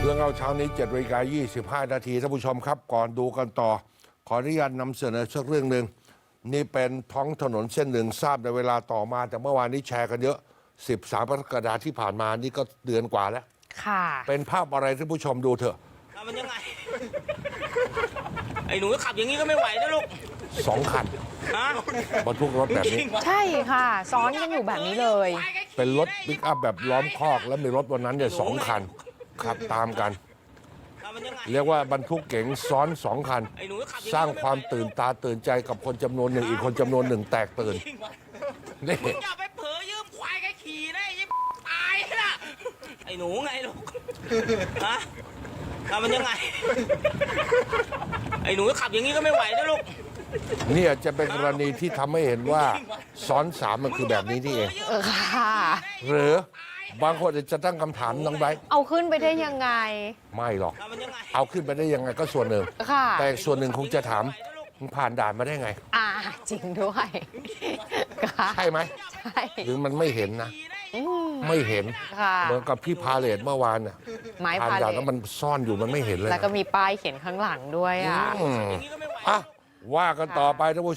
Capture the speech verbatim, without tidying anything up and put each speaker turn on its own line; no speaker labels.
รื่องเอาเช้านี้เจ็ดนาฬิกายี่สิบห้านาทีท่านผู้ชมครับก่อนดูกันต่อขออนุญาตนำเสนอสักเรื่องหนึ่งนี่เป็นท้องถนนเส้นหนึ่งทราบในเวลาต่อมาแต่เมื่อวานนี้แชร์กันเยอะสิบสามกรกฎาคมที่ผ่านมานี่ก็เดือนกว่าแล้ว
ค่ะ
เป็นภาพอะไรท่านผู้ชมดูเถอะ
มันยังไงไอ้หนูขับอย่างนี้ก็ไม่ไหวนะลูก
สองคันบรรทุกรถแบบนี้
ใช่ค่ะซ้อนกันอยู่แบบนี้เลย
เป็นรถปิกอัพแบบล้อมคอกแล้วมีรถวันนั้นเนี่ยสองคันขับตามกันเรียกว่าบรรทุกเก๋งซ้อนสองคันสร้างความตื่นตาตื่นใจกับคนจำนวนหนึ่งอีกคนจำนวนหนึ่งแตกตื่นนี่
อย่าไปเผลอยืมควายแกขี่ได้ยิ่งตายนะไอ้หนูไงลูกฮะทำมันยังไงไอ้หนูขับอย่างนี้ก็ไม่ไหวนะลูก
เนี่ยจะเป็นกรณีที่ทำให้เห็นว่าซ้อนสามมันคือแบบนี้นี่เอง
เออค่ะ
หรือบางคนจะตั้งคำถามน้องไบร์ท
เอาขึ้นไปได้ยังไง
ไม่หรอกเอาขึ้นไปได้ยังไงก็ส่วนหนึ่งแต่ส่วนหนึ่งคงจะถามมึงผ่านด่านมาได้ไง
อ่าจริงด้วย
ใช่ไหม
ใช่
หรือมันไม่เห็นนะไม่เห็นเหมือนกับพี่พาเลทเมื่อวานน่ะผ่านด่านแล้วมันซ่อนอยู่มันไม่เห็นเลย
แล้วก็มีป้ายเขียนข้างหลังด้วยอ่ะ
อ่ะว่ากันต่อไปท่านผู้